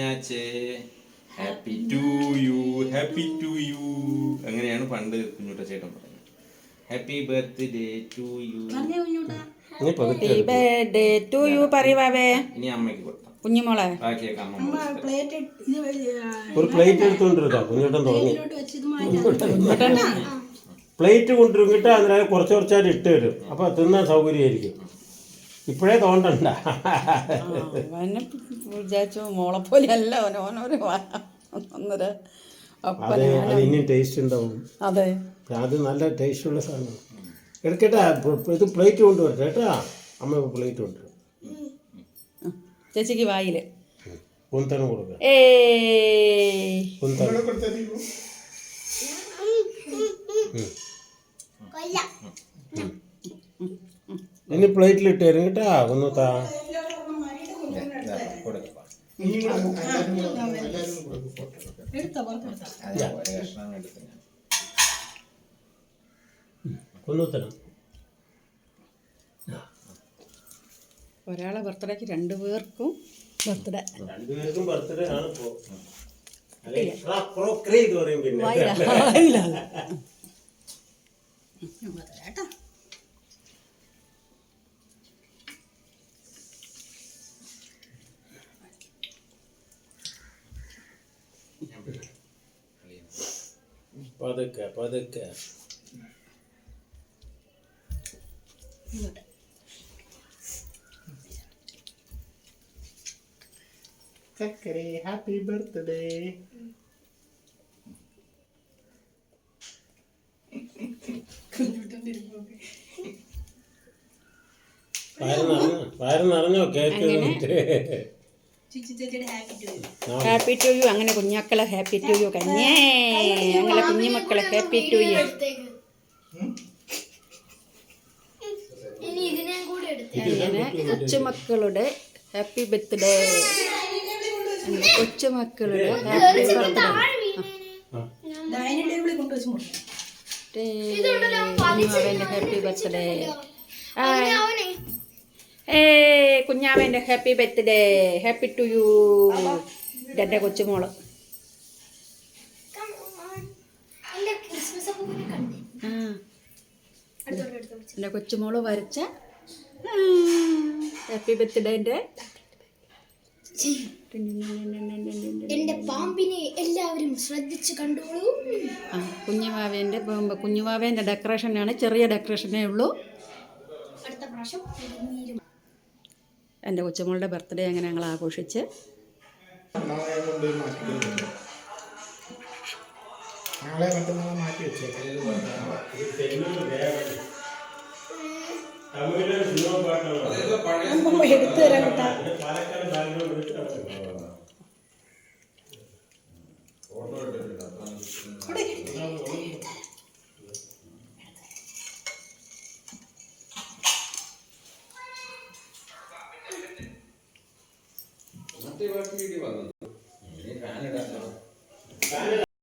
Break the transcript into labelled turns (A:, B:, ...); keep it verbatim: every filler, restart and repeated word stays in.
A: കുഞ്ഞാച്ചേ happy to you, happy to you. അങ്ങനെയാണ് പണ്ട് കുഞ്ഞുട്ട ചേട്ടൻ പറയുന്നത്. Happy birthday to you.
B: Happy birthday to you പറയുവാവേ.
A: ഇനി അമ്മയ്ക്ക് കൊടുത്താം
B: കുഞ്ഞുമോളെ.
A: ബാക്കിയൊക്കെ അമ്മ.
C: ഒരു പ്ലേറ്റ് എടുത്തുകൊണ്ടിരുന്നോ കുഞ്ഞുട്ടൻ തുടങ്ങി. പ്ലേറ്റ് കൊണ്ടിരുന്നിട്ട് അതിനകത്ത് കുറച്ച് കുറച്ചായിട്ട് ഇട്ട് തരും. അപ്പോൾ തിന്നാൻ സൗകര്യമായിരിക്കും. ഇപ്പോഴേ തോണ്ടണ്ട.
B: വിചാരിച്ചു മോളെ പോലെ അല്ല ഓനോനൊരു ഒന്നര.
C: അതെ, അത് ഇനിയും ടേസ്റ്റ് ഉണ്ടാവും.
B: അതെ,
C: അത് നല്ല ടേസ്റ്റുള്ള സാധനം. എടുക്കട്ടാ, ഇത് പ്ലേറ്റ് കൊണ്ടുവരട്ടെ കേട്ടാ. അമ്മ പ്ലേറ്റ് കൊണ്ടുവരും.
B: ചേച്ചിക്ക് വായില്
C: കുന്തനം കൊടുക്കുക. ഇനി പ്ലേറ്റിലിട്ട് തരും കേട്ടാ. ഒന്ന് താ. കൊന്നുത്തരം.
B: ഒരാളെ ബർത്ത്ഡേക്ക് രണ്ടു പേർക്കും ബർത്ത്ഡേ.
C: രണ്ടുപേർക്കും ബർത്ത്ഡേ ആണ് ഇപ്പോ. എന്ന് പറയും പിന്നെ. പതുക്കെ പതുക്കെ. ചക്കരേ ഹാപ്പി ബർത്ത്ഡേ. വയറ് നിറഞ്ഞോ കേക്ക്?
B: Happy to you. അങ്ങനെ കുഞ്ഞാക്കളെ ഹാപ്പി ടു യു. കഞ്ഞേ ഞങ്ങളെ കുഞ്ഞുമക്കളെ ഹാപ്പി ടു യു. അങ്ങനെ കൊച്ചുമക്കളുടെ ഹാപ്പി ബർത്ത്ഡേ. കൊച്ചുമക്കളുടെ ഹാപ്പി ബർത്ത്ഡേ. കുഞ്ഞാവേൻ്റെ ഹാപ്പി ബർത്ത്ഡേ. ഏ കുഞ്ഞാവേൻ്റെ happy birthday. Happy to you. ഇതെൻ്റെ കൊച്ചുമോള്. ആ എൻ്റെ കൊച്ചുമോള് വരച്ച ഹാപ്പി ബർത്ത്ഡേൻ്റെ.
D: എന്റെ പാമ്പിനെ എല്ലാവരും ശ്രദ്ധിച്ചു കണ്ടോളൂ.
B: ആ കുഞ്ഞുവാവേൻ്റെ കുഞ്ഞുവാവേൻ്റെ ഡെക്കറേഷനാണ്. ചെറിയ ഡെക്കറേഷനേ ഉള്ളൂ.
D: അടുത്ത പ്രാവശ്യം
B: എൻ്റെ കൊച്ചുമോളുടെ ബർത്ത്ഡേ അങ്ങനെ ഞങ്ങൾ ആഘോഷിച്ച്.
D: എടുത്തു തരാൻ കേട്ടാ.
A: മറ്റേ വീട്ടിൽ വന്നു.